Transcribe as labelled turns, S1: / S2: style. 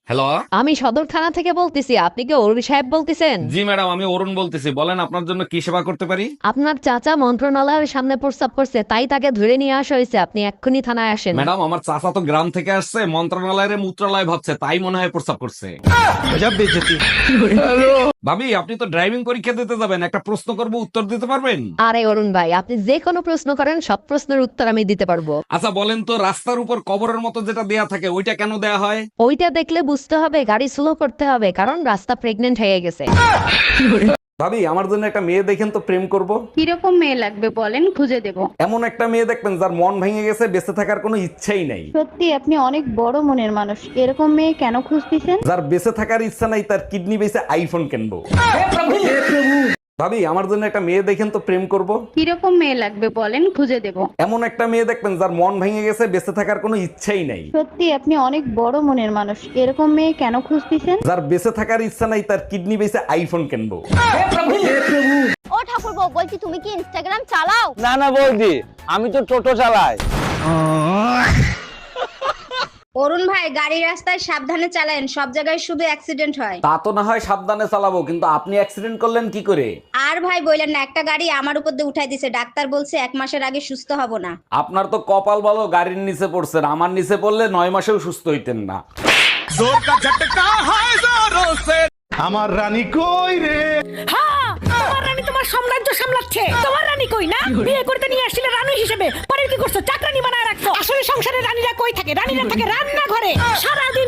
S1: Hello.
S2: আমি সদর থানা থেকে বলতেছি, আপনি কি অরুণ সাহেব বলতেছেন?
S1: জি ম্যাডাম, আমি অরুণ বলতেছি, বলেন আপনার জন্য কি সেবা করতে পারি।
S2: আপনার চাচা মন্ত্রণালয়ের সামনে প্রস্তাব করছে, তাই তাকে ধরে নিয়ে আসা হয়েছে। আপনি এক্ষুনি থানায় আসেন।
S1: ম্যাডাম, আমার চাচা তো গ্রাম থেকে আসছে, মন্ত্রণালয়ের মূত্রালয় ভাবছে, তাই মনে হয় প্রস্তাব করছে। ভাবি, আপনি তো ড্রাইভিং পরীক্ষা দিতে যাবেন, একটা প্রশ্ন করব, উত্তর দিতে পারবেন?
S2: আরে অরুণ ভাই, আপনি যে কোনো প্রশ্ন করেন, সব প্রশ্নের উত্তর আমি দিতে পারবো।
S1: আচ্ছা বলেন তো, রাস্তার উপর কবরের মতো যেটা দেয়া থাকে ওইটা কেন দেয়া হয়?
S2: ওইটা দেখলে বুঝতে হবে গাড়ি স্লো করতে হবে, কারণ রাস্তা প্রেগনেন্ট হয়ে গেছে।
S1: ভাবি, আমার জন্য একটা মেয়ে দেখেন তো, প্রেম করব।
S3: কিরকম মেয়ে লাগবে বলেন, খুঁজে দেব।
S1: এমন একটা মেয়ে দেখবেন যার মন ভেঙে গেছে, বেঁচে থাকার কোনো ইচ্ছাই নাই।
S3: সত্যি আপনি অনেক বড় মনের মানুষ, এরকম মেয়ে কেন খুঁজতেছেন?
S1: যার বেঁচে থাকার ইচ্ছা নাই, তার কিডনি বেঁচে আইফোন কিনবো। ভাবি, আমার জন্য একটা মেয়ে দেখেন তো, প্রেম করব।
S3: কিরকম মেয়ে লাগবে বলেন, খুঁজে দেব।
S1: এমন একটা মেয়ে দেখবেন যার মন ভেঙে গেছে, বেঁচে থাকার কোনো ইচ্ছাই নাই।
S3: সত্যি আপনি অনেক বড় মনের মানুষ, এরকম মেয়ে কেন খুঁজতেছেন?
S1: যার বেঁচে থাকার ইচ্ছা নাই, তার কিডনি বেঁচে আইফোন কিনবো।
S4: ও ঠাকুরপো, বলছি তুমি কি ইনস্টাগ্রাম চালাও?
S5: না না বৌদি, আমি তো টোটো চালাই।
S6: অরুণ ভাই, গাড়ি রাস্তায় সাবধানে চালান, সব জায়গায় শুধু অ্যাক্সিডেন্ট হয়।
S1: তা তো না হয় সাবধানে চালাবো, কিন্তু আপনি অ্যাক্সিডেন্ট করলেন কি করে?
S6: আর ভাই বললেন না, একটা গাড়ি আমার উপর দিয়ে উঠাই দিছে, ডাক্তার বলছে 1 মাসের আগে সুস্থ হব না।
S1: আপনার তো কপাল ভালো, গাড়ির নিচে পড়ছেন, আমার নিচে পড়লে 9 মাসেও সুস্থ হইতেন না।
S7: আমার রানী কই রে?
S8: তোমার রানী তোমার সাম্রাজ্য সামলাচ্ছে। তোমার রানী কই না? বিয়ে করতে নিয়ে আসছিলে রানী হিসেবে, পরে কি করছো? চাকরানি বানায় রাখছো। আসলে সংসারে রানীরা কই থাকে? রানীরা থাকে রান্নাঘরে। সারাদিন